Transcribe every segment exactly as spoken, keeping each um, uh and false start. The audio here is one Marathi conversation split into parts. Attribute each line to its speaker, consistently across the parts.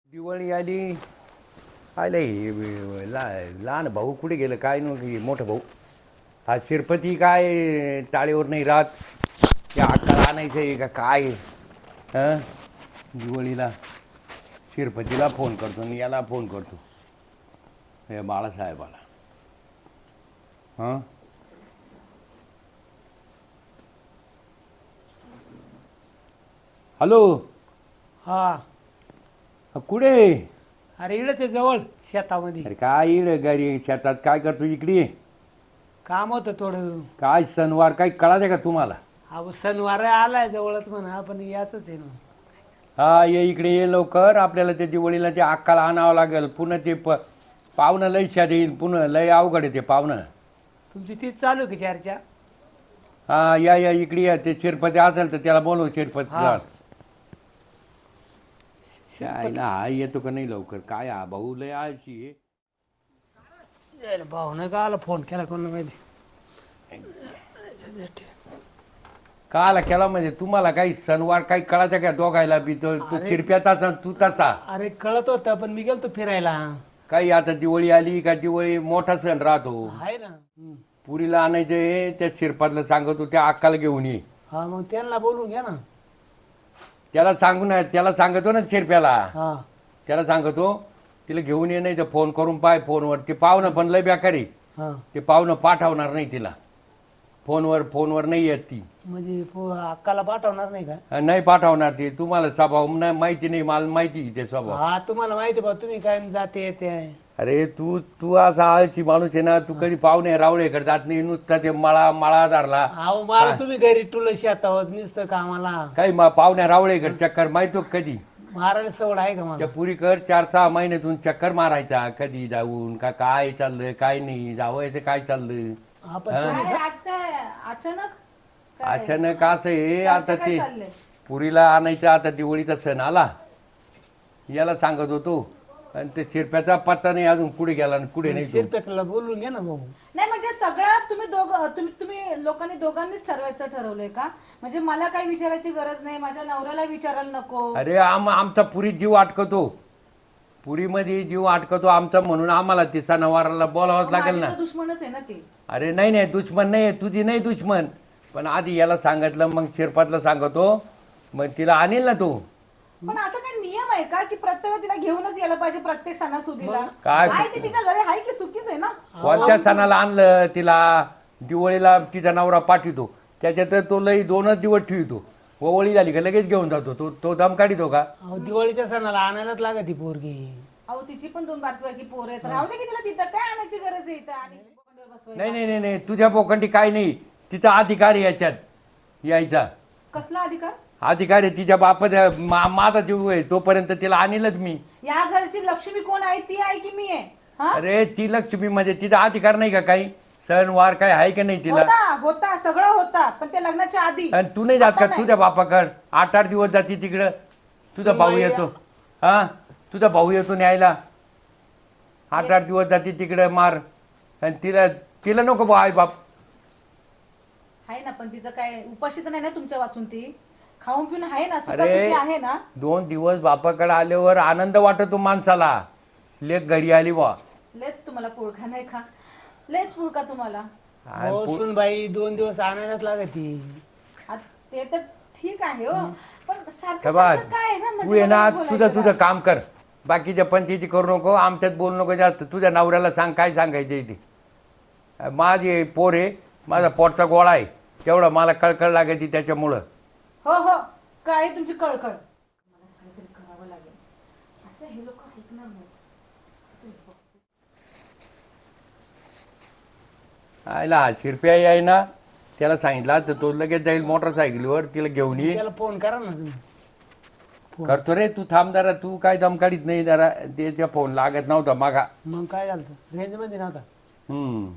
Speaker 1: दिवाळी आली. आले ला लहान भाऊ कुठे गेलं काय नव्हतं. मोठं भाऊ हा शिरपती काय टाळीवर नाही राहत. त्या अक्काला आणायचं आहे का काय. हं दिवाळीला शिरपतीला फोन करतो आणि याला फोन करतो हे बाळासाहेबाला. हां हॅलो.
Speaker 2: हा.
Speaker 1: कुठे.
Speaker 2: अरे इकडे ते जवळ शेतामध्ये
Speaker 1: अरे काय इड घरी शेतात काय करतो इकडे.
Speaker 2: काम होतं थोडं.
Speaker 1: काय सणवार काही कळाले का तुम्हाला.
Speaker 2: अहो सणवार आलाय जवळच म्हणा पण याच आहे ना.
Speaker 1: हा ये इकडे ये लवकर. आपल्याला त्या दिवाळीला ते अक्काला आणावं लागेल. पुन्हा ते प पाहुणं लय शाद येईल. पुन्हा लय अवघड आहे ते पाहुणं.
Speaker 2: तुमची तीच चालू आहे की चर्चा.
Speaker 1: हा या या इकडे या. ते शिरपती असेल तर त्याला बोलव शिरपतीला.
Speaker 2: हा.
Speaker 1: काय ना हा येतो का नाही लवकर. काय हा भाऊ लय आळशी आहे.
Speaker 2: भाऊनं का आला फोन केला कोणाला माहिती.
Speaker 1: काला केला म्हणजे तुम्हाला काही सणवार काही कळायचं का दोघायला बी. तो तू शिरप्याचा तू त्याचा.
Speaker 2: अरे कळत होतं पण मी गेलतो फिरायला.
Speaker 1: काही आता दिवाळी आली का दिवाळी मोठा सण राहतो.
Speaker 2: आहे ना. हम्म.
Speaker 1: पुरीला आणायचं त्या शिरपातला सांगतो त्या अक्काला घेऊन ये.
Speaker 2: हा मग त्यांना बोलून घ्या ना.
Speaker 1: त्याला सांगू ना. त्याला सांगतो ना शिरप्याला.
Speaker 2: हा
Speaker 1: त्याला सांगतो तिला घेऊन ये. नाही तर फोन करून पाय फोनवर. ते पाहुणं पण लय बेकारी.
Speaker 2: हा
Speaker 1: ते पाहुणं पाठवणार नाही तिला. फोनवर फोनवर नाही येत ती.
Speaker 2: म्हणजे पो- अक्काला पाठवणार नाही का.
Speaker 1: नाही पाठवणार ती. तुम्हाला स्वभाव नाही माहिती नाही. मला माहिती आहे ते स्वभाव.
Speaker 2: हा तुम्हाला माहिती बा तुम्ही काय जाते येते.
Speaker 1: अरे तू तू असा आळशी माणूस आहे ना. तू कधी पाहुणे रावळेकडे जात नाही. नुसता ते मळा मळा धरला.
Speaker 2: अहो मला तुम्ही घरी टुल शेतावर नुसतं कामाला.
Speaker 1: काही मा पाहुण्या रावळेकडे चक्कर माहितो का कधी.
Speaker 2: मारायला सवड आहे का मला.
Speaker 1: त्या पुरीकर चार सहा महिन्यातून चक्कर मारायचा. कधी जाऊन का काय चाललंय काय नाही. जावयाचं काय चाललंय.
Speaker 2: आपण
Speaker 3: काय आज काय अचानक काय?
Speaker 1: अचानक असं आहे.
Speaker 3: चर्चा
Speaker 1: आता
Speaker 3: काय
Speaker 1: ते
Speaker 3: चाललंय?
Speaker 1: पुरीला आणायचं. आता दिवाळीचा सण आला. याला सांगत होतो आणि ते शिरप्याचा पत्ता नाही अजून. कुठे गेला आणि कुठे नाही तो.
Speaker 2: शिरपेटला बोलून घ्या ना भाऊ.
Speaker 3: नाही म्हणजे सगळं तुम्ही दोघ तुम्ही तुम्ही लोकांनी दोघांनीच ठरवायचं ठरवलंय का. म्हणजे मला काही विचारायची गरज नाही. माझ्या नवऱ्याला विचारायला नको.
Speaker 1: अरे आम आमचा पुरी जीव अटकतो. पुरीमध्ये जीव अटकतो आमचा. म्हणून आम्हाला ती सणावाराला बोलावंच लागेल
Speaker 3: माझी
Speaker 1: ना.
Speaker 3: तर दुश्मनच आहे ना ती.
Speaker 1: अरे नाही नाही दुश्मन नाही. तुझी नाही दुश्मन. पण आधी याला सांगितलं मग शिरपातला सांगतो. मग तिला आणील ना तू.
Speaker 3: पण असं काही नियम आहे का की प्रत्येक वेळी तिला घेऊनच यायला पाहिजे प्रत्येक सणासुदीला.
Speaker 1: काय?
Speaker 3: आहे ती तिच्या घरी आहे की सुखीच आहे ना.
Speaker 1: कोणत्या सणाला आणलं तिला. दिवाळीला तिचा नवरा पाठवतो. त्याच्यात तो लई दोनच दिवस ठेवतो. ओवळी झाली का लगेच घेऊन जातो. तो तो दम काढितो का.
Speaker 2: अहो दिवाळीच्या सणाला आणायलाच लागत ती पोरगी.
Speaker 3: अहो तिची पण दोन बारकी पोर आहेत. राहू दे की तिला तिथं काय आणायची गरज आहे इथं आणि बोकंडीवर बसवायला.
Speaker 1: नाही नाही नाही नाही तुझ्या पोखंडी काय नाही. तिचा अधिकार आहे याच्यात यायचा.
Speaker 3: कसला अधिकार.
Speaker 1: अधिकार आहे तिच्या बापात. मा- माझा जीव आहे तोपर्यंत तिला आणीलच मी.
Speaker 3: या घरची लक्ष्मी कोण आहे ती आहे की मी आहे. हा
Speaker 1: अरे ती लक्ष्मी म्हणजे तिचा अधिकार नाही का काही. सण वार काय आहे का नाही तिला.
Speaker 3: होता होता सगळं होता पण ते लग्नाच्या आधी.
Speaker 1: आणि तू नाही जात
Speaker 3: आता
Speaker 1: का
Speaker 3: नाही.
Speaker 1: तुझ्या बापाकड. आठ आठ दिवस जाते तिकडं. तुझा भाऊ येतो. हा तुझा भाऊ येतो न्यायला. आठ आठ दिवस जाते तिकडं मार. आणि तिला तिला नको बा आई बाप.
Speaker 3: आहे ना पण तिचं काय उपाशी तर नाही ना तुमच्या वाचून ती. खाऊन पिऊन आहे ना
Speaker 1: अरे
Speaker 3: सुखासुखी आहे ना.
Speaker 1: दोन दिवस बापाकडे आल्यावर आनंद वाटतो माणसाला. लेक घरी आली बा.
Speaker 3: लेस तुम्हाला पुळखा नाही का. लेस पुळका तुम्हाला.
Speaker 1: आणि पु-
Speaker 2: सुन बाई दोन दिवस आणायलाच लागत ती.
Speaker 3: आ- ते तर ठीक आहे हो पण सारखं
Speaker 1: का बा
Speaker 3: सारखं काय आहे ना
Speaker 1: तू
Speaker 3: म्हणजे
Speaker 1: ये ना
Speaker 3: मला
Speaker 1: तुझं
Speaker 3: बोलायचं
Speaker 1: तुझं
Speaker 3: ना.
Speaker 1: काम कर. बाकीच्या पंचायती करू नको. आमच्यात बोलू नको जास्त. तुझ्या नवऱ्याला सांग काय सांगायचं इथे. माझी पोर आहे. माझा पोटचा गोळा आहे. तेवढं मला कळकळ लागायची त्याच्यामुळं.
Speaker 3: हो हो काय तुमची कळकळ. मला काहीतरी करावं लागेल. असं हे लोक ऐकणार नाही.
Speaker 1: आयला हा शिरप्या आहे ना. त्याला सांगितलं तर तो लगेच जाईल मोटरसायकलीवर. तिला घेऊन ये.
Speaker 2: त्याला फोन करा ना तुम्ही.
Speaker 1: करतो रे तू थांब जरा. तू काय दम काढीत नाही जरा. त्याच्या फोन लागत नव्हता मागा.
Speaker 2: मग काय झालं रेंज मध्ये नव्हता.
Speaker 1: हम्म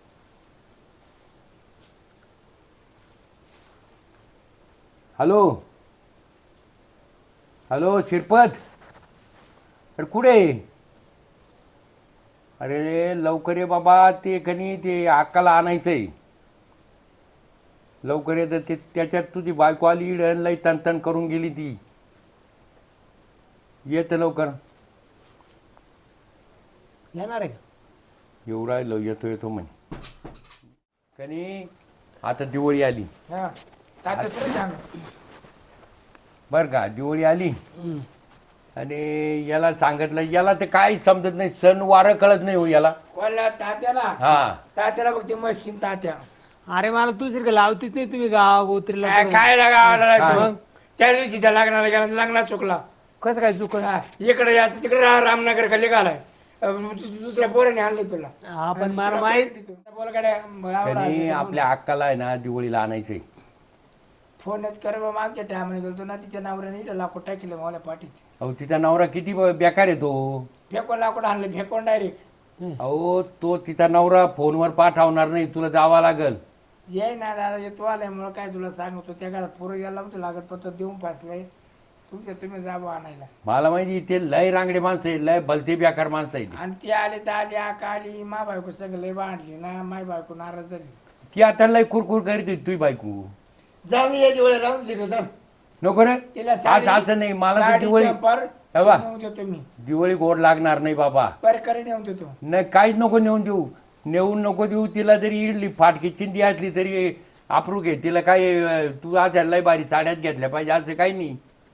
Speaker 1: हॅलो हॅलो शिरपत. अरे कुठे. अरे लवकर ये बाबा. ते कनी ते अक्काला आणायचंय. लवकर येतं ते. त्याच्यात तुझी बायको आली. लई तन तन करून गेली ती. येतं लवकर.
Speaker 2: येणार आहे का?
Speaker 1: येऊ राहिलो येतो येतो म्हणे कनी आता दिवाळी आली
Speaker 4: हा तात्या सर सांग
Speaker 1: बर का दिवाळी आली आणि याला सांगितलं याला ते काय समजत नाही सण वारं कळत नाही हो याला
Speaker 4: कोणला तात्याला
Speaker 1: हा
Speaker 4: तात्याला बघ ते मशीन तात्या
Speaker 2: अरे मला दुसरी लावतीच नाही तुम्ही गाव गोत्रीला
Speaker 4: काय काय लागावं
Speaker 1: हा.
Speaker 4: लागलं त्या दिवशी त्या लग्नाला गेला लग्नात चुकला
Speaker 2: कसं काय चुक
Speaker 4: हा, इकडे यायचं तिकडे रा- रामनगर खाली घालाय दुसऱ्या पोराने आणले तुला
Speaker 2: आपण मला माहित
Speaker 4: बोल गाड्या
Speaker 1: त्यांनी आपल्या अक्काला आहे ना दिवाळीला आणायचंय
Speaker 4: फोनच कर बा मागच्या टायमाने गेलो ना तिच्या नावऱ्याने इथं लाकूड टाकलं मला पाठीत
Speaker 1: अहो तिचा नवरा किती ब- बेकार येतो
Speaker 4: फेकून लाकूड आणलं फेकून डायरेक्ट
Speaker 1: अहो तो तिचा नवरा फोनवर पाठवणार नाही तुला जावा लागल
Speaker 4: ये ना दादा येतो आल्यामुळं काय तुला सांगतो त्या घरात पोरं यायला होतं लागत पत्र देऊन पासलंय तुमच्या तुम्ही जावं आणायला
Speaker 1: मला माहिती ते लय रांगडे माणसं आहे लय भलते बेकार माणसं आहे
Speaker 4: आणि ती आले तर आली आका आली मा बायको सगळं लय बांधली ना माय बायको नाराज झाली
Speaker 1: ती आता लय कुरकुर करीत होती तुझी बायको
Speaker 4: जाऊ या दिवाळी राहून दिलं चल
Speaker 1: नको रे
Speaker 4: तिला
Speaker 1: आज असं नाही मला तर
Speaker 4: साडी
Speaker 1: दिवाळी
Speaker 4: चंपर
Speaker 1: हे बा.
Speaker 4: नेऊन देतो मी
Speaker 1: दिवाळी गोड लागणार नाही बाबा
Speaker 4: परकरी नेऊन देतो
Speaker 1: नाही काहीच नको नेऊन देऊ नेऊन नको देऊ तिला जरी इडली फाटकी चिंदी असली तरी आपरू घे तिला काय अं, तू आज लय भारी साड्यात घेतल्या पाहिजे असं काही नाही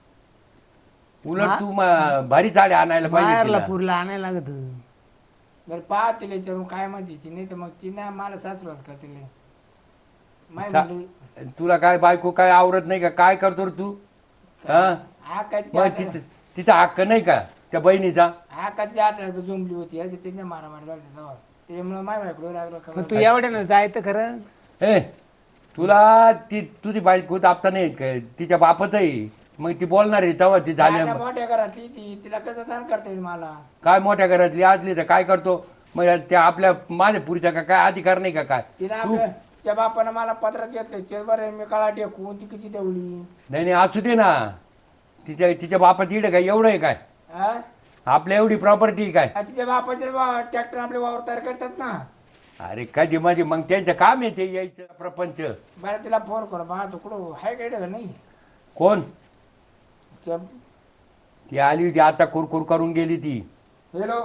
Speaker 1: उलट तू म- भारी साड्या आणायला पाहिजे
Speaker 2: बाहेरला
Speaker 1: तिला.
Speaker 2: पुरला आणायला लागत
Speaker 4: बरं पहा तिला विचारून काय म्हणते ती नाही तर मग ती ना मला सासूराच करते लय. माय
Speaker 1: सा-
Speaker 4: म्हणली,
Speaker 1: तुला काय बायको काय आवरत नाही का काय करतो रे तू हा
Speaker 4: हा काय
Speaker 1: मग तिचं तिचा हक्क नाही का त्या बहिणीचा
Speaker 4: हा का तिच्या हातात जुंबली होती असे त्यांच्या मारा मारा घालते तेव्हा त्याच्यामुळे माय बायको लागलं
Speaker 2: पण
Speaker 4: खबर
Speaker 2: तू एवढ्यानं जायचं खरं
Speaker 1: ए तुला ती तुझी बायको दाबता नाही येत काय तिच्या बापच आहे मग ती बोलणार आहे तेव्हा ती झाली
Speaker 4: त्या मोठ्या घरातली ती तिला कसं दान करता येईल मला
Speaker 1: काय मोठ्या घरातली आजली तर काय करतो मग त्या आपल्या माझ्या पुरीच्या का काय अधिकार नाही का काय
Speaker 4: तिला
Speaker 1: तू
Speaker 4: आपल्या त्या बापानं मला पत्रात घेतलं ते बरं मी कळा टेकून ती किती तेवढी
Speaker 1: नाही नाही असू दे ना तिच्या तिच्या बापाची इडं काय एवढं आहे काय
Speaker 4: हा
Speaker 1: आपल्या एवढी प्रॉपर्टी काय
Speaker 4: आ, तिच्या बापाचे ट्रॅक्टर आपले वावर तयार करतात ना
Speaker 1: अरे कधी माझी मग त्यांचं काम आहे ते यायचं प्रपंच
Speaker 4: बरं तिला फोन करू बा तू कुठं हाय काय का नाही
Speaker 1: कोण
Speaker 4: त्या-
Speaker 1: ती आली होती आता कुरकुर करून गेली ती
Speaker 4: हॅलो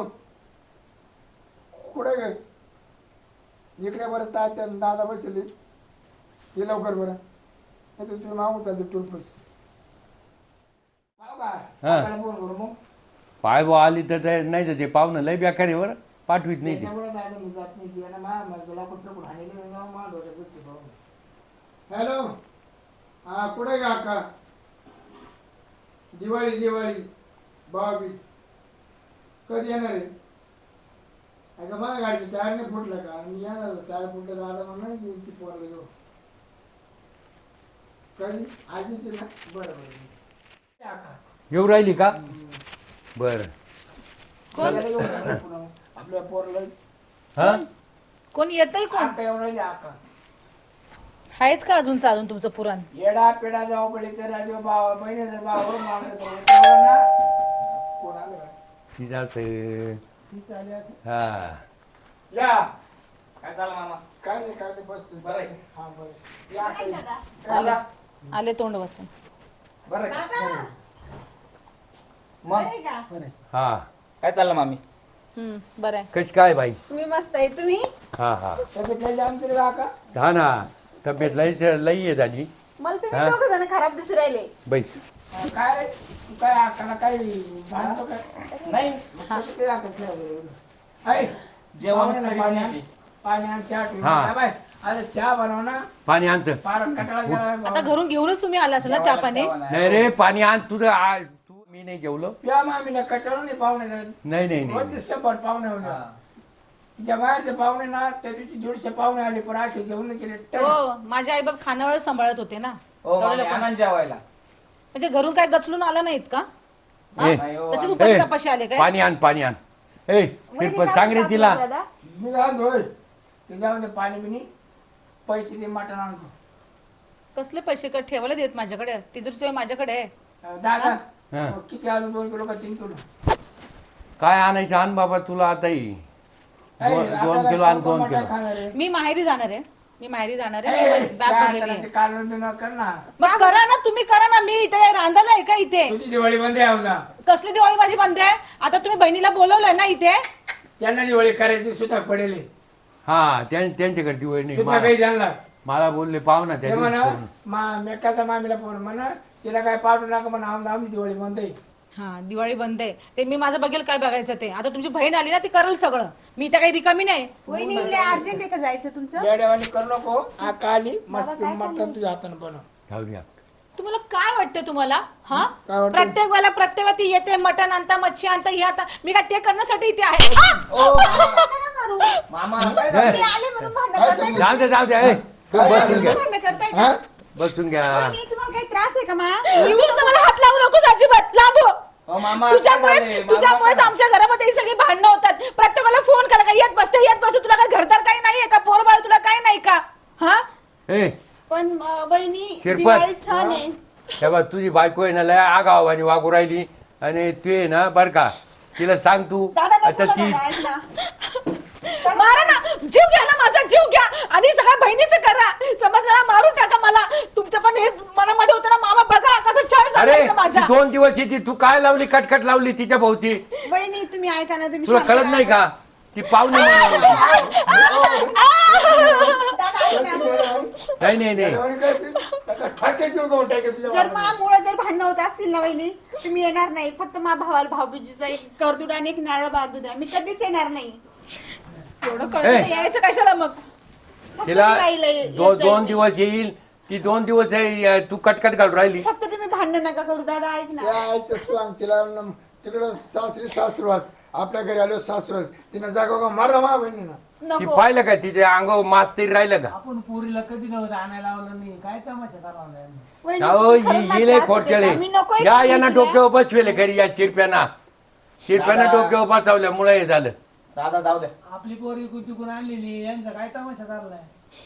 Speaker 4: कुठे गे इकडे बरं तात्या दादा बसले ये लवकर बरं नाही तर तुम्ही मागून चालते टुरपूस
Speaker 1: हा.
Speaker 4: फोन करू मग
Speaker 1: पाय बा आली तर ते- नाही तर ते पाहुणं लय बेकार आहे बरं पाठवीत नाही ते
Speaker 4: त्याच्यामुळे दादा मी जात नाही ती मा मला कुठं हाणलेलं जाऊन मा डोक्यात बसते पाहून हॅलो हा कुठे गा का दिवाळी दिवाळी बावीस कधी येणार आहे अगं माझ्या गाडीचं टायर नाही फुटलं का मी येणार टायर फुटलं दादा म्हणून येईल ती पोरला घेऊ कधी आज येते ना बरं बरं आका
Speaker 1: येऊ राहिली का बर
Speaker 4: याला घेऊन जा पुन्हा. आपल्या पोरला
Speaker 1: हा
Speaker 3: कोण येतंय कोण
Speaker 4: आका येऊन राहिली आका
Speaker 3: आहेच का अजून चालून तुमचं पुराण
Speaker 4: येडा पेडा जाऊ पडे तर राजू भावा बहिणीचा भाव ना कोण आलं का?
Speaker 1: तिचा असं-
Speaker 4: ती चालली असेल.
Speaker 1: हा
Speaker 4: या
Speaker 5: काय चाललं मामा
Speaker 4: काय नाही काय नाही बसतो
Speaker 5: बरं आहे.
Speaker 4: हा बरं या काही.
Speaker 5: आला
Speaker 3: आले तोंड बसून
Speaker 5: बरं आहे का? मग
Speaker 1: हा
Speaker 5: काय चाललं मामी
Speaker 3: हम्म बरं आहे
Speaker 1: कशी काय बाई
Speaker 6: मी मस्त आहे तुम्ही
Speaker 1: हा हा
Speaker 4: तब्येत नाही जाम तरी काका
Speaker 1: हा ना तब्येत लई लई आहे झाली
Speaker 6: मला
Speaker 1: हा?
Speaker 6: तुम्ही दोघ जण खराब दिसू राहिले
Speaker 1: बैस
Speaker 4: काय रे तू काय आकाला काय भांडतो काय
Speaker 5: नाही
Speaker 4: कसं काय आकात नाही? ऐ,
Speaker 5: जेवण
Speaker 4: पाहुण्याला पाणी आण. पाणी आण, चहा ठेव.
Speaker 1: हा.
Speaker 4: हा बाय, आता चहा बनव ना
Speaker 1: पाणी आणत
Speaker 4: फार कटाळा गेला बाय
Speaker 3: आता
Speaker 4: भाऊ.
Speaker 3: घरून घेऊनच तुम्ही आला असेल ना चहा पाणी
Speaker 1: नाही रे पाणी आण तुझं आ- तू मी नाही जेवलो
Speaker 4: प्या मामीला कटाळा नाही पाहुणे
Speaker 1: नाही नाही नाही
Speaker 4: रोज शंभर पाहुणे होते तिच्या बाहेरचे पाहुणे ना त्या दिवशी दीडशे पाहुणे आले पण आखे जेवण केले टन.
Speaker 3: हो माझे आई बाप खानावळ सांभाळत होते ना
Speaker 5: हो
Speaker 3: एवढे
Speaker 5: मामी
Speaker 3: लोकं-
Speaker 5: आनंद जेवायला
Speaker 3: म्हणजे घरून काय गचलून आला नाहीत का
Speaker 1: ए,
Speaker 5: नाही हो,
Speaker 3: तसे
Speaker 5: आम्ही-
Speaker 3: उपाशी
Speaker 1: ए,
Speaker 3: तपाशी आले काय
Speaker 1: पाणी आण पाणी आण ए शिरपत सांग रे तिला
Speaker 6: दादा
Speaker 4: मी काय होय त्याच्यामध्ये पाणी बिनी पैसे दे मटण आणतो
Speaker 3: कसले पैसे का ठेवायला देत माझ्याकडे तिजोरी माझ्याकडे आहे.
Speaker 4: अं, दादा
Speaker 1: हा.
Speaker 4: मग किती आलू दोन किलो का तीन किलो
Speaker 1: काय आणायचं आण बाबा तुला आताही
Speaker 4: ऐ,
Speaker 1: दोन- दोन
Speaker 4: आपल्याला
Speaker 1: किलो आण
Speaker 4: कोण
Speaker 1: दोन
Speaker 4: मटण
Speaker 1: किलो
Speaker 4: खाणार आहे?
Speaker 3: मी माहेरी जाणार आहे मी माहेरी जाणार
Speaker 4: ऐ,
Speaker 3: आहे बॅग
Speaker 4: काय
Speaker 3: भरलेली
Speaker 4: त्याला
Speaker 3: आहे
Speaker 4: ते कालवण बिलवण कर ना
Speaker 3: मग करा ना तुम्ही करा ना मी इथे रांधायला आहे का इथे
Speaker 4: तुझी दिवाळी बंद आहे ना
Speaker 3: कसली दिवाळी माझी बंद आहे आता तुम्ही बहिणीला बोलवलंय ना इथे
Speaker 4: त्यांना दिवाळी करायची सुद्धा पडेल
Speaker 1: हा त्यां- त्यांच्याकडे दिवाळी नाही
Speaker 4: सुद्धा काही
Speaker 1: मला-
Speaker 4: त्यांना
Speaker 1: मला बोलले पाहू ना
Speaker 4: ते
Speaker 1: त्या
Speaker 4: म्हणा
Speaker 1: दिवशी फोन.
Speaker 4: मा मेकाचा मामीला फोन म्हणा तिला काय पाठवू नका म्हणा आमदा आमची दिवाळी म्हणते
Speaker 3: हा दिवाळी बंद आहे ते मी माझं बघेल काय बघायचं ते आता तुमची बहीण आली ना ती करेल सगळं मी त्या काही रिकामी नाही
Speaker 6: वहिनी अर्जंट आहे का जायचं तुमचं
Speaker 4: येड्यावानी करू नको आका आली मस्त मटण तुझ्या हाताने बनव
Speaker 1: जाऊ द्या
Speaker 3: तुम्हाला काय वाटतं तुम्हाला हा
Speaker 4: काय वाटतं?
Speaker 3: प्रत्येक वेळेला प्रत्येक वेळा ती येते मटण आणता मच्छी आणता हे आता मी काय ते करण्यासाठी इथे आहे हा!
Speaker 5: मामा काय
Speaker 1: ए,
Speaker 6: ते आले म्हणून भांडण
Speaker 4: काय
Speaker 6: करताय
Speaker 4: समजलं?
Speaker 1: जाऊ द्या जाऊ द्या ए, तू बसून घ्या
Speaker 6: भांडण करताय
Speaker 4: हा?
Speaker 6: का?
Speaker 1: बसून घ्या
Speaker 6: वहिनी, तुम्हाला काही त्रास आहे का मा
Speaker 3: तू नुसतं मला हात लावू नकोस अजिबात लांब हो.
Speaker 5: अहो, मामा काय झालंय?
Speaker 3: तुझ्यामुळेच
Speaker 5: मामा
Speaker 3: तुझ्यामुळेच
Speaker 5: काय?
Speaker 3: आमच्या घरामध्ये ही सगळी भांडणं होतात प्रत्येकाला फोन करा का येत बसते येत बसते तुला काय घरदार काही नाहीये का पोर बाळ तुला काही नाही का हा
Speaker 1: ए
Speaker 6: पण अं, वहिनी
Speaker 1: शिरपत.
Speaker 6: दिवाळी सण आहे
Speaker 1: तेव्हा तुझी बायको आहे ना लय आगाव आणि वागू राहिली आणि तू आहे ना बर का तिला सांग तू
Speaker 6: दादा
Speaker 1: आता
Speaker 6: नको
Speaker 1: ती
Speaker 6: दादा, ऐक ना.
Speaker 3: मारा ना जीव घ्या ना माझा जीव घ्या आणि सगळ्या बहिणीचं करा समजला मारून टाका मला तुमचं पण हे मनामध्ये होतं ना मामा बघा कसं छान
Speaker 1: अरे
Speaker 3: सांगायचं
Speaker 1: ती
Speaker 3: माझा
Speaker 1: दोन दिवस येते तू काय लावली कटकट लावली तिच्या भोवती
Speaker 6: वहिनी तुम्ही ऐका ना तुम्ही
Speaker 1: तुला
Speaker 6: शांत
Speaker 1: कळत
Speaker 6: राहा.
Speaker 1: नाही का ती पाहुणे म्हणून.
Speaker 6: दादा, ऐक ना.
Speaker 1: नाही नाही नाही
Speaker 4: येड्यावानी करशील? एका ठाक्याची उगवून टाकेल तुझ्या
Speaker 6: जर
Speaker 4: वाटाने.
Speaker 6: मा मुळे जर भांडणं होत असतील ना वहिनी तुम्ही येणार नाही फक्त मा भावाला भाऊबीजीचा एक करदूड आणि एक नारळ बांधू द्या मी कधीच येणार नाही
Speaker 3: एवढं कळतं नाही, यायचं कशाला मग
Speaker 6: फक्त
Speaker 1: तिला
Speaker 6: दिवाळीला ये-
Speaker 1: दो,
Speaker 6: येत जाईल
Speaker 1: दोन
Speaker 6: मी.
Speaker 1: दिवस येईल ती दोन दिवस आहे, तू कटकट घालून राहिली
Speaker 6: फक्त तुम्ही भांडण नका करू दादा ऐक ना
Speaker 4: त्या आईचं सांग तिला न- तिकडं सासरी सासुरवास आपल्या घरी आलो सासुरवास तिनं जागा का मारा मा बहिणीनं
Speaker 1: ती
Speaker 6: नको
Speaker 1: पाहिलं का तिच्या अंगावर मास तरी राहिलं का
Speaker 2: आपण पोरीला कधी नव्हतं आणायला लावलं नाही काय तमाशा लावलाय
Speaker 6: वहिनी,
Speaker 1: अहो
Speaker 6: खरंच मला
Speaker 1: येईल
Speaker 6: त्रास
Speaker 1: खोटकेळे
Speaker 6: होतोय. मी नकोय
Speaker 1: या
Speaker 6: तुम्ही
Speaker 1: यांना
Speaker 6: तिला.
Speaker 1: डोक्यावर बसवेले घरी या चिरप्याना चिरप्याना
Speaker 5: दादा.
Speaker 1: डोक्यावर बसवल्यामुळे हे झालं
Speaker 5: दादा जाऊ द्या
Speaker 2: आपली पोरगी कुठून आणलेली यांचा काय तमाशा चाललाय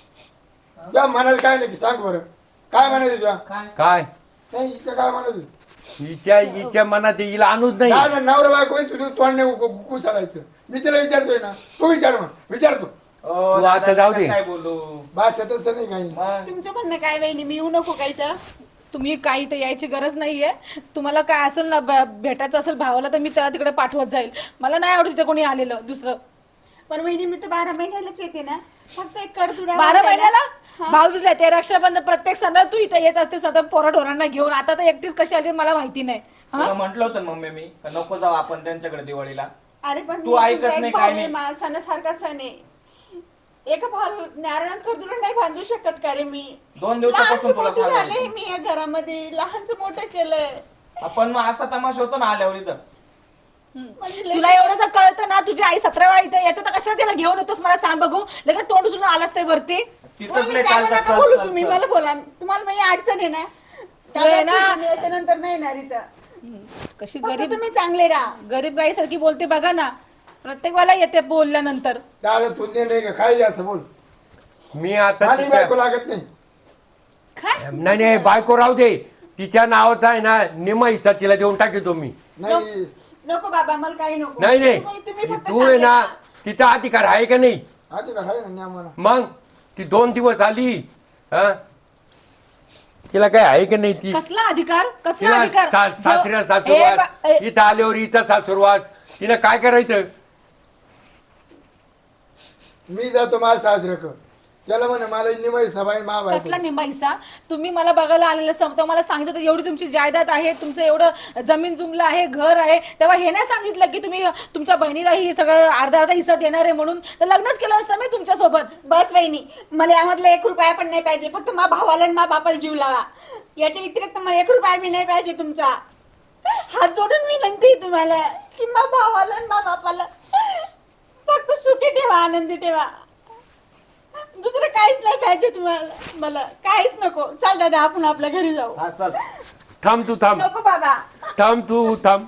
Speaker 4: त्या म्हणाल काय नाही की सांग बरं काय म्हणायचं तुला
Speaker 2: काय
Speaker 1: काय
Speaker 4: नाही हिचं काय म्हणायचं
Speaker 1: हिच्या हिच्या मनात हिला आणूच नाही
Speaker 4: काय झालं, नवरा बायको आहे, तुझं तोंड नाही कु- कु- कुचाळायचं मी तिला विचारतोय ना तू विचार मग विचारतो
Speaker 5: ओ,
Speaker 1: तू
Speaker 5: दादा,
Speaker 1: आता जाऊ दे.
Speaker 5: काय बोलू
Speaker 4: बास येतच नाही काही
Speaker 5: मग
Speaker 6: तुमचं म्हणणं काय वहिनी मी येऊ नको काही तर
Speaker 3: तुम्ही काही तर यायची गरज नाहीये तुम्हाला काय असेल ना ब- भेटायचं असेल भावाला तर मी त्याला तिकडे पाठवत जाईल मला नाही आवडत तिथे कोणी आलेलं दुसरं
Speaker 6: पण वहिनी मी तर बारा महिन्यालाच येते ना फक्त एक करदुडा
Speaker 3: बारा
Speaker 6: बांधायला.
Speaker 3: महिन्याला भाऊ बिजला ते रक्षाबंधन प्रत्येक सणाला तू इथे येत असते सतत पोरा ढोरांना घेऊन आता तर एकटीच कशी आली ते मला माहिती नाही हा?
Speaker 5: तुला म्हंटल होतं ना मम्मी मी का नको जाऊ आपण त्यांच्याकडे दिवाळीला
Speaker 6: अरे पण
Speaker 5: तू
Speaker 6: मी
Speaker 5: ऐकत
Speaker 6: तुमचा एक
Speaker 5: नाही,
Speaker 6: भाऊ
Speaker 5: काय
Speaker 6: आहे,
Speaker 5: नाही.
Speaker 6: मा- सणासारखा सण आहे एका भाऊ नारायण करदुडा नाही बांधू शकत का रे मी
Speaker 5: दोन दिवसापासून
Speaker 6: लहानचं
Speaker 5: तुला
Speaker 6: मोठं झाले
Speaker 5: सांगायचं.
Speaker 6: मी या घरामध्ये लहानचं मोठं केलंय
Speaker 5: आपण मग असा तमाशा होतो ना आल्यावर इथं
Speaker 6: म्हणजे लय-
Speaker 3: तुला एवढं जर कळतं ना तुझी आई सतरा वेळा इथे येतं तर कशाला तिला घेऊन येतोस मला सांग बघू लगेच तोंड उचलून आलास ते वरती
Speaker 5: तिथंच
Speaker 6: वहिनी,
Speaker 5: लय
Speaker 6: त्याला
Speaker 5: चालतात
Speaker 6: नका बोलू
Speaker 5: चल,
Speaker 6: तुम्ही
Speaker 5: चल,
Speaker 6: मला
Speaker 5: चल.
Speaker 6: बोला तुम्हाला माझी अडचण आहे ना
Speaker 3: आहे ना.
Speaker 6: दादा, तुम्ही याच्यानंतर नाही येणार इथं
Speaker 3: कशी
Speaker 6: फक्त
Speaker 3: गरीब
Speaker 6: तुम्ही चांगले राहा
Speaker 3: गरीब गाईसारखी बोलते बघा ना प्रत्येक वेळेला येते बोलल्यानंतर
Speaker 4: दादा तू दे नाही का काय असं बोल
Speaker 1: मी आता
Speaker 4: आणि
Speaker 1: तिच्या-
Speaker 4: बायको लागत नाही
Speaker 3: काय
Speaker 1: नाही नाही बायको राहू दे तिच्या नावाचा आहे ना निमा हिस्सा तिला देऊन टाकतो मी
Speaker 4: नाही
Speaker 6: नको बाबा मला काही नको
Speaker 1: नाही नाही
Speaker 6: तुम्ही- तुम्ही फक्त
Speaker 1: तू आहे
Speaker 6: चांगले
Speaker 1: ना
Speaker 6: राहा.
Speaker 1: तिचा अधिकार आहे का नाही
Speaker 4: आधी का आहे ना न्यामाला
Speaker 1: मग ती दोन दिवस आली हा तिला काय आहे का नाही ती
Speaker 3: कसला अधिकार कसला
Speaker 1: तिला
Speaker 3: अधिकार
Speaker 1: सा-
Speaker 3: जो-
Speaker 1: सासऱ्या
Speaker 3: ए,
Speaker 1: सासूरवास
Speaker 3: बा- ए,
Speaker 1: इथं आल्यावर इथं सासूरवास तिनं काय करायचं
Speaker 4: मी जातो माझा साजरं कर त्याला म्हणे मला निमाई सभा मा
Speaker 3: कसला
Speaker 4: बायको
Speaker 3: निंबाईसा तुम्ही मला बघायला आलेलं सम- तेव्हा मला सांगितलं होतं एवढी तुमची जायदाद आहे तुमचं एवढं जमीन जुमलं आहे घर आहे तेव्हा हे नाही सांगितलं की तुम्ही तुमच्या बहिणीलाही हे सगळं अर्धा अर्धा हिस्सा देणार आहे म्हणून तर लग्नच केलं असतं मी तुमच्या सोबत
Speaker 6: बस वहिनी मला यामधला एक रुपया पण नाही पाहिजे फक्त मा भावाला आणि मा बापाला जीव लावा याच्या व्यतिरिक्त मला एक रुपया बी नाही पाहिजे तुमचा हात जोडून विनंती आहे तुम्हाला की मा भावाला आणि मा बापाला फक्त सुखी ठेवा आनंदी ठेवा दुसरं काहीच नाही पाहिजे तुम्हाला मला काहीच नको चाल दादा आपण आपल्या घरी जाऊ
Speaker 5: हा चल
Speaker 1: थांब तू थांब
Speaker 6: नको बाबा
Speaker 1: थांब तू थांब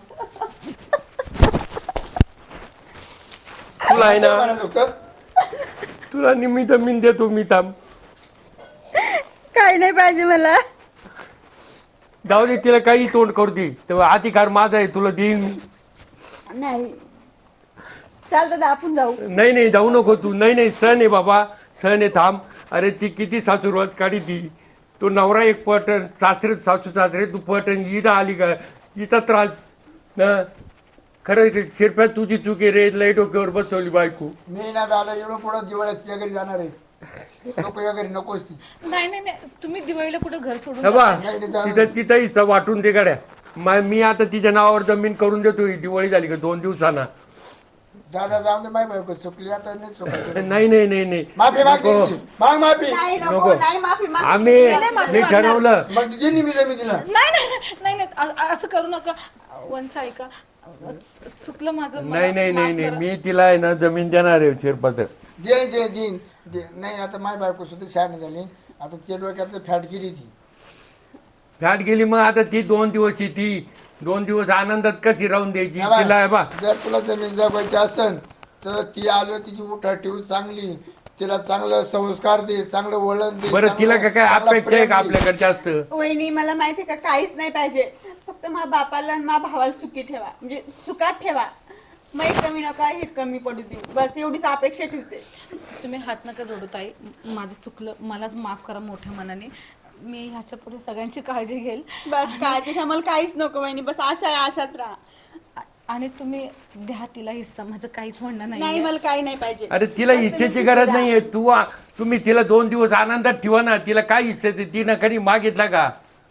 Speaker 1: तुला आहे ना
Speaker 4: म्हणत होतं
Speaker 1: तुला निम्मी जमीन देतो मी थांब
Speaker 6: काही नाही पाहिजे मला
Speaker 1: जाऊ दे तिला काही तोंड करू दे तेव्हा अधिकार माझा आहे तुला देईन मी.
Speaker 6: नाही चाल दादा आपण जाऊ
Speaker 1: नाही नाही जाऊ नको तू नाही नाही सण आहे बाबा सण आहे थांब अरे ती किती सासूरवाद काढी ती तो नवरा एक पटन सासरे सासू सासरे तू पटन हिला आली का हिचा त्रास न खरं शिरप्यात तुझी चुकी रे लय डोक्यावर बसवली बायको.
Speaker 4: मी ना दादा एवढं पुढं दिवाळ्यात तिच्या घरी जाणार आहे. नको या घरी नकोच ती.
Speaker 3: नाही नाही नाही तुम्ही दिवाळीला कुठं घर सोडून
Speaker 1: हे बा
Speaker 3: जाताय?
Speaker 4: नाही, नाही, जाणार.
Speaker 1: तिथं तिथं हिचा वाटून दे गाड्या. मा- मी आता तिच्या नावावर जमीन करून देतो. ही दिवाळी झाली का दोन दिवसाना.
Speaker 4: दादा जाऊन दे माय बायको चुकली आता नाही चुकायचं.
Speaker 1: नाही नाही नाही नाही
Speaker 4: माफी माग
Speaker 1: नको.
Speaker 4: त्यांची. माग माफी.
Speaker 6: नाही
Speaker 1: नको.
Speaker 6: नको नाही माफी माग.
Speaker 1: आम्ही
Speaker 3: नाही, माफी
Speaker 1: मी
Speaker 3: मागणार.
Speaker 1: ठरवलं.
Speaker 4: मग ती दिली मी जमीन दिला.
Speaker 3: नाही नाही नाही, नाही नाही अ- असं करू नका. वंश ऐका चुकलं माझं मला
Speaker 1: नाही नाही नाही
Speaker 3: माफ
Speaker 1: नाही
Speaker 3: करा.
Speaker 1: मी तिला आहे ना जमीन देणार आहे शिरपात.
Speaker 4: दे दे देईन दे. नाही आता माय बायको सुद्धा शहाणी झाली. आता तिच्या डोक्यात फॅट गेली ती.
Speaker 1: फॅट गेली मग आता ती दोन दिवस ती दोन दिवस आनंदात कशी राहून द्यायची
Speaker 4: या बा,
Speaker 1: तिला आहे बा.
Speaker 4: जर तुला जमीन जगवायची असेल तर ती आलो तिची उठा ठेवू चांगली. तिला चांगलं संस्कार दे चांगलं वळण दे.
Speaker 1: बरं तिला
Speaker 4: चांगलं-
Speaker 1: काय काय
Speaker 4: चांगलं
Speaker 1: अपेक्षा आहे का
Speaker 4: प्रेम दे.
Speaker 1: आपल्याकडे जास्त?
Speaker 6: वहिनी मला माहिती आहे का काहीच नाही पाहिजे. फक्त माझ्या बापाला आणि माझ्या भावाला सुखी ठेवा म्हणजे सुखात ठेवा. मग कमी नका हे कमी पडू देऊ बस एवढीच अपेक्षा ठेवते.
Speaker 3: तुम्ही हात नका जोडू ताई. माझं चुकलं मलाच माफ करा मोठ्या मनाने. मी ह्याच्या पुढे सगळ्यांची काळजी घेईल.
Speaker 6: बस काळजी घ्या मला काहीच नको वहिनी बस आशा आहे आशाच राहा.
Speaker 3: आ- आणि तुम्ही द्या तिला हिस्सा. माझं काहीच म्हणणं
Speaker 6: नाही
Speaker 3: नाही
Speaker 6: मला काही नाही पाहिजे.
Speaker 1: अरे तिला
Speaker 6: बस
Speaker 1: हिस्सेची
Speaker 6: तुम्ही
Speaker 1: गरज
Speaker 6: सुखी
Speaker 1: नाहीये. तू आ- तुम्ही तिला दोन दिवस आनंदात ठेवा ना. तिला काय हिस्से ते तिनं कधी मागितला का?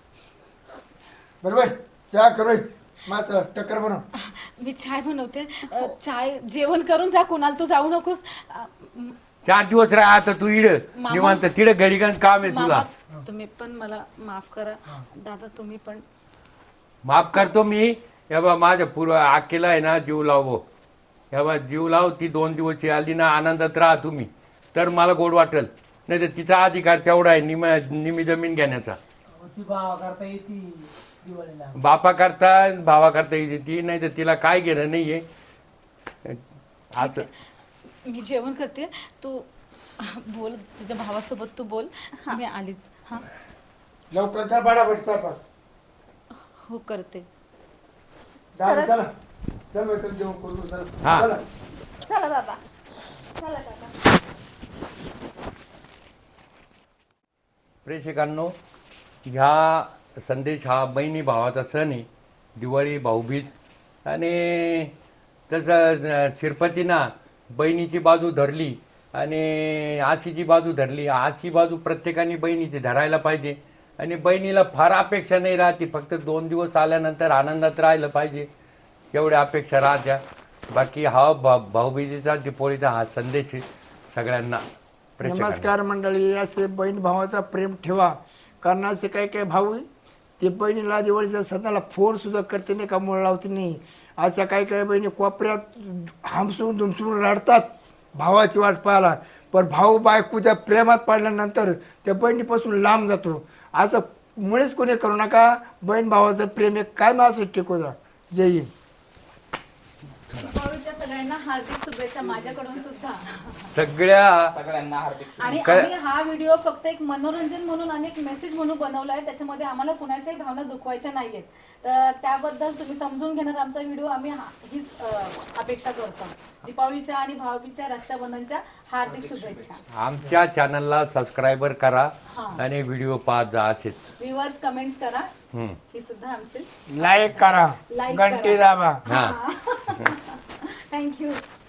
Speaker 4: बरोबर चहा करू मस्त टक्कर बनव.
Speaker 3: मी चाय बनवते. अ, चाय जेवण करून जा. कुणाला तू जाऊ नकोस. अ, म-
Speaker 1: चार दिवस राहा आता तू इड
Speaker 3: मामा.
Speaker 1: निवांत तिड घरी गण काम आहे तुला.
Speaker 3: मामा तुम्ही पण मला माफ करा. दादा तुम्ही पण.
Speaker 1: माफ करतो मी. हे बा माझ्या पूर्व आकेला आहे ना जीव लाव. हे बा जीव लाव. ती दोन दिवस आली ना आनंदात राहा तुम्ही तर मला गोड वाटेल. नाही तर तिचा अधिकार तेवढा आहे निम निमी जमीन घेण्याचा.
Speaker 2: ती भावा करता येते दिवाळीला.
Speaker 1: बापा करता भावा करता येते ती. नाही तर तिला काय घेणं नाहीये असं.
Speaker 3: मी जेवण करते. तू बोल तुझ्या भावासोबत तू बोल. मी आलीच. हा
Speaker 4: लवकर कर बडाबड स्वयंपाक.
Speaker 3: हो करते.
Speaker 4: दादा चला चल बाई, चल जेवण करू चल.
Speaker 1: हा.
Speaker 4: चला.
Speaker 6: चला बाबा चला काका.
Speaker 1: प्रेक्षकांनो ह्या संदेश हा बहिणी भावाचा सण आहे. दिवाळी भाऊबीज. आणि तसं शिरपतीना बहिणीची बाजू धरली आणि आशीची बाजू धरली. आशी बाजू प्रत्येकाने बहिणीची धरायला पाहिजे. आणि बहिणीला फार अपेक्षा नाही राहते. फक्त दोन दिवस आल्यानंतर आनंदात राहिलं पाहिजे एवढ्या अपेक्षा राहत्या. बाकी हा भा भाऊबीजेचा दिपोळीचा हा संदेश आहे सगळ्यांना. प्रेक्षकांना
Speaker 4: नमस्कार मंडळी. असे बहीण भावाचा प्रेम ठेवा. कारण असे काही काही भाऊ आहे, ते बहिणीला दिवाळीच्या सणाला फोन सुद्धा करते नाही का मुळ लावते नाही. अशा काही काही बहिणी कोपऱ्यात हमसून दुमसून रडतात भावाची वाट पाहायला. पण भाऊ बायकोच्या प्रेमात पडल्यानंतर त्या बहिणीपासून लांब जातो. असं मुळेच कोणी करू नका. बहीण भावाचं प्रेम एक काय असं टिकू द्या. जय हिंद.
Speaker 3: दिवाळीच्या सगळ्यांना हार्दिक शुभेच्छा माझ्याकडून सुद्धा.
Speaker 1: सगळ्या
Speaker 5: सगळ्यांना हार्दिक
Speaker 3: आणि
Speaker 1: काय-
Speaker 3: आम्ही हा व्हिडिओ फक्त एक मनोरंजन म्हणून आणि एक मेसेज म्हणून बनवला आहे. त्याच्यामध्ये आम्हाला कुणाच्याही भावना दुखवायच्या नाहीयेत. तर त्याबद्दल तुम्ही समजून घेणार आमचा व्हिडिओ. आम्ही हा- हीच अ, अपेक्षा करतो. दीपावलीच्या आणि भाऊबीजच्या रक्षाबंधनच्या हार्दिक शुभेच्छा.
Speaker 1: आमच्या चॅनलला सबस्क्राईबर करा
Speaker 3: हा.
Speaker 1: आणि व्हिडिओ पाहत जा असेच.
Speaker 3: व्ह्युअर्स कमेंट्स करा.
Speaker 1: हम्म.
Speaker 3: ही सुद्धा आमची
Speaker 4: लाईक करा
Speaker 3: लाईक
Speaker 4: घंटी
Speaker 3: करा.
Speaker 4: दाबा.
Speaker 1: हा
Speaker 3: थँक्यू.